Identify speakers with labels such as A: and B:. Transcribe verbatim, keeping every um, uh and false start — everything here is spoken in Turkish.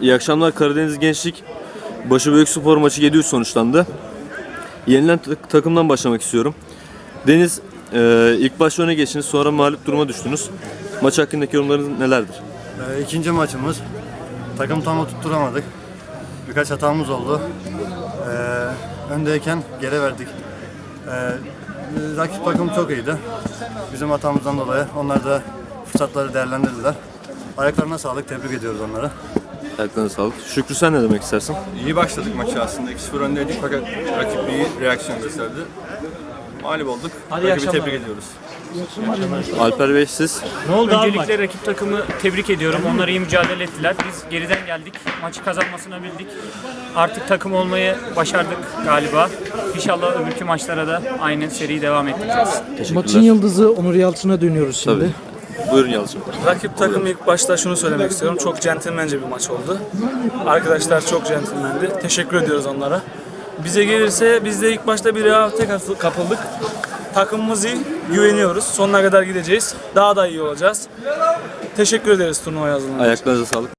A: İyi akşamlar. Karadeniz Gençlik Başıbüyükspor maçı yedi üç sonuçlandı. Yenilen tak- takımdan başlamak istiyorum. Deniz, e, ilk başta öne geçtiniz, sonra mağlup duruma düştünüz. Maç hakkındaki yorumlarınız nelerdir?
B: Ee, ikinci maçımız. Takım tam oturtturamadık. Birkaç hatamız oldu. Ee, öndeyken geri verdik. Ee, rakip takım çok iyiydi. Bizim hatamızdan dolayı onlar da fırsatları değerlendirdiler. Ayaklarına sağlık, tebrik ediyoruz onları.
A: Ayaklarına sağlık. Şükrü, sen ne demek istersin?
C: İyi başladık maçı aslında. iki sıfır öndeydik fakat rakip iyi reaksiyon gösterdi. Mağlup olduk.
D: Hadi
C: Rakibi tebrik ediyoruz.
A: Alper Bey, siz?
D: Ne oldu
E: Öncelikle
D: abi?
E: rakip takımı tebrik ediyorum. Onlar iyi mücadele ettiler. Biz geriden geldik. Maçı kazanmasını bildik. Artık takım olmayı başardık galiba. İnşallah öbürkü maçlara da aynı seriyi devam ettireceğiz.
D: Maçın yıldızı Onur Yalçın'a dönüyoruz şimdi.
A: Tabii. Buyurun Yalçın.
F: Rakip takım ilk başta şunu söylemek istiyorum. Çok centilmence bir maç oldu. Arkadaşlar çok centilmendi. Teşekkür ediyoruz onlara. Bize gelirse biz de ilk başta bir rehavete kapıldık. Takımımız iyi, güveniyoruz. Sonuna kadar gideceğiz. Daha da iyi olacağız. Teşekkür ederiz turnuvaya hazırlanmak için.
A: Ayaklarınıza sağlık.